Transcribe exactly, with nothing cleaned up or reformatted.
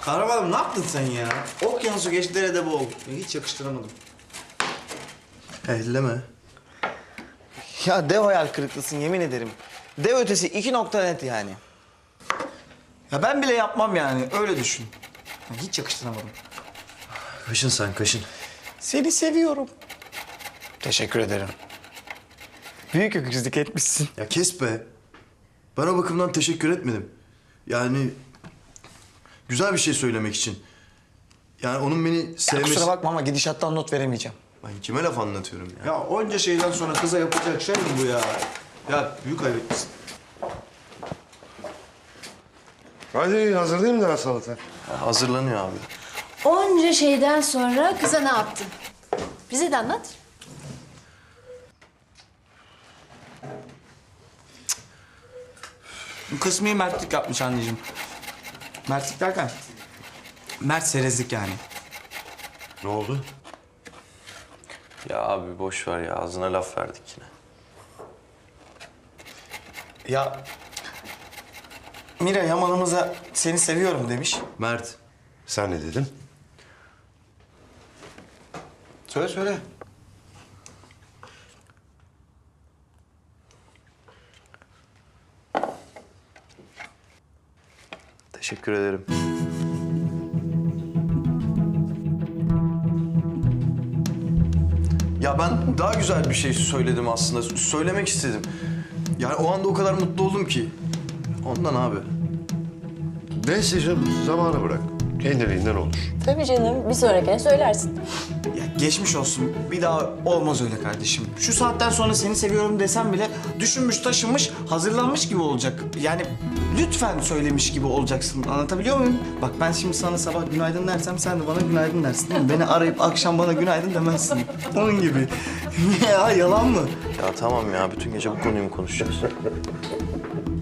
Kahramanım ne yaptın sen ya? Okyanusu geç derede boğul. Hiç yakıştıramadım. Elleme. Ya dev hayal kırıklısın yemin ederim. Dev ötesi iki nokta net yani. Ya ben bile yapmam yani öyle düşün. Ya hiç yakıştıramadım. Kaşın sen kaşın. Seni seviyorum. Teşekkür ederim. Büyük öküzlük etmişsin. Ya kes be. Ben o bakımdan teşekkür etmedim. Yani güzel bir şey söylemek için. Yani onun beni Ya sevmesi... kusura bakma ama gidişattan not veremeyeceğim. Ben kime laf anlatıyorum ya? Ya onca şeyden sonra kıza yapacak şey mi bu ya? Ya büyük ayıp etmişsin. Hadi hazırlayayım da salata. Ya hazırlanıyor abi. Onca şeyden sonra kıza ne yaptın? Bize de anlat. Bu kısmı mertlik yapmış anneciğim. Mertlik derken? Mert serezlik yani. Ne oldu? Ya abi boş ver ya. Ağzına laf verdik yine. Ya Mira Yaman'ımıza seni seviyorum demiş. Mert. Sen ne dedin? Söyle söyle. Teşekkür ederim. Ya ben daha güzel bir şey söyledim aslında. Söylemek istedim. Yani o anda o kadar mutlu oldum ki. Ondan abi. Neyse canım, zamanı bırak. Kendiliğinden olur. Tabii canım. Bir sonrakine söylersin. Ya geçmiş olsun. Bir daha olmaz öyle kardeşim. Şu saatten sonra seni seviyorum desem bile düşünmüş, taşınmış, hazırlanmış gibi olacak. Yani lütfen söylemiş gibi olacaksın. Anlatabiliyor muyum? Bak ben şimdi sana sabah günaydın dersem sen de bana günaydın dersin değil mi? Beni arayıp akşam bana günaydın demezsin. Onun gibi. Ya yalan mı? Ya tamam ya. Bütün gece bu konuyu mu konuşacağız?